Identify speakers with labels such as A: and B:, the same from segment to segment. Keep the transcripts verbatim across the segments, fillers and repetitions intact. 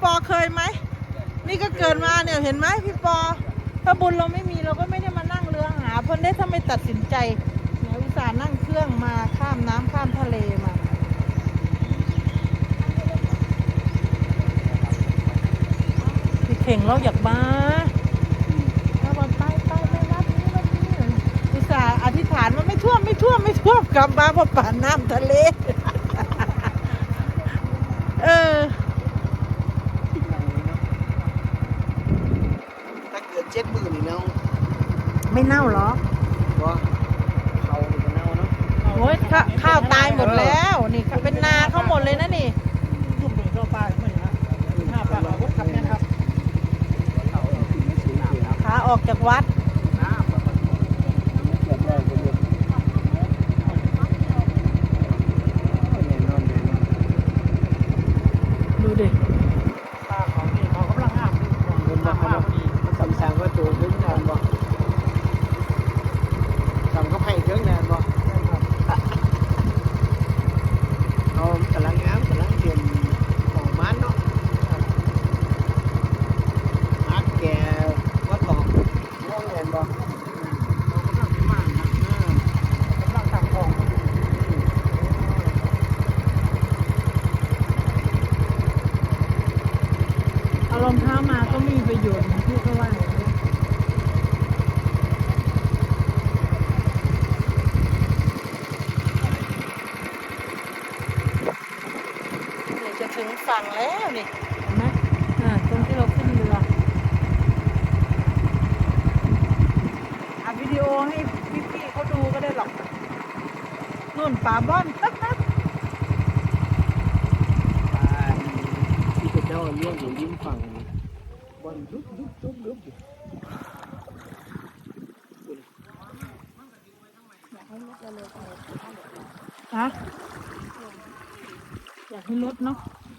A: ปอเคยไหมนี่ก็เกิดมาเนี่ยเห็นไหมพี่ปอถ้าบุญเราไม่มีเราก็ไม่ได้มานั่งเรือหาเพิ่นได้ถ้าไม่ตัดสินใจเนี่ยอุตส่าห์นั่งเครื่องมาข้ามน้ำข้ามทะเลมาพี่เข่งเราอยากมาเราบอกไปไปไปวัดนี้วัดนี้อุตส่าห์อธิษฐานว่าไม่ท่วมไม่ท่วมไม่ท่วมกลับมาเพราะป่านน้ำทะเลเออ
B: ถ้าเกิดเจ็ดหมื่นนี่เนาะ
A: ไม่เน่าหรอ
B: ว่าเขาจะเน่าเนาะ
A: โอ้ยข้าวตายหมดแล้วนี่เป็นนาเขาหมดเลยนะนี่
C: ทุ่มหนึ่งเข้าไปไม่ฮะห้าปากรถขับเนี่ยครับ
A: ขาออกจากวัดดูดิ
C: ป้าของนี่เขากำลังห้าม
B: บนบ้านมันสำคัญว่าตัวถึงนานบ่สำคัญให้ถึงนานบ่เขากำลังงามกำลังเตรียมของมันเนาะฮักแกว่าตอกม่วงเห็นบ่
A: เอารองเท้ามาก็ไม่มีประโยชน์ที่เขาว่าจะถึงฝั่งแล้วนี่เห็นไหมอ่าตรงที่เราขึ้นเรืออัดวิดีโอให้พี่ๆเขาดูก็ได้หรอกนู่นป่าบ้อน
B: ที่เป็นเจ้าเลี้ยงอยู่ริมฝั่งบอลลุกลุกลุกลุกอยู่
A: ฮะอยากให้ลดเนาะ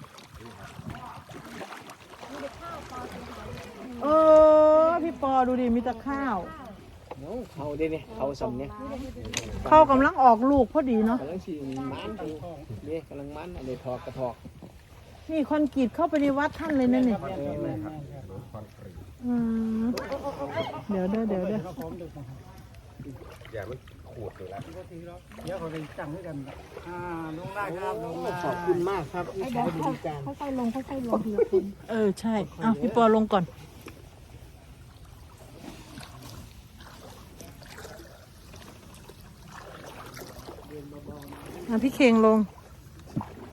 A: เออพี่ปอดูดิมีแต่ข้าว
B: เขาได้เนี่ยเขาสำเนี่ย
A: เขากำลังออกลูกพอดีเนาะ
B: กำลังสีมันเนี่ยกำลังมันอะไรทอกกระทอก
A: นี่คอนกรีตเข้าไปในวัดท่านเลยนั่นนี่อืมเดี๋ยวเด้อเดี๋ยวเด้อ
D: อย่ามันขูดเลยละ
C: เดี๋ยวเขาจะจังด้วยกันอ่าลงได้ครับลงได้
B: ขอบคุณมากครับที่ใช้บริการ
A: ค่อยๆลงค่อยๆลงทีละคนเออใช่เอาพี่ปอลงก่อนพี่เข่งลง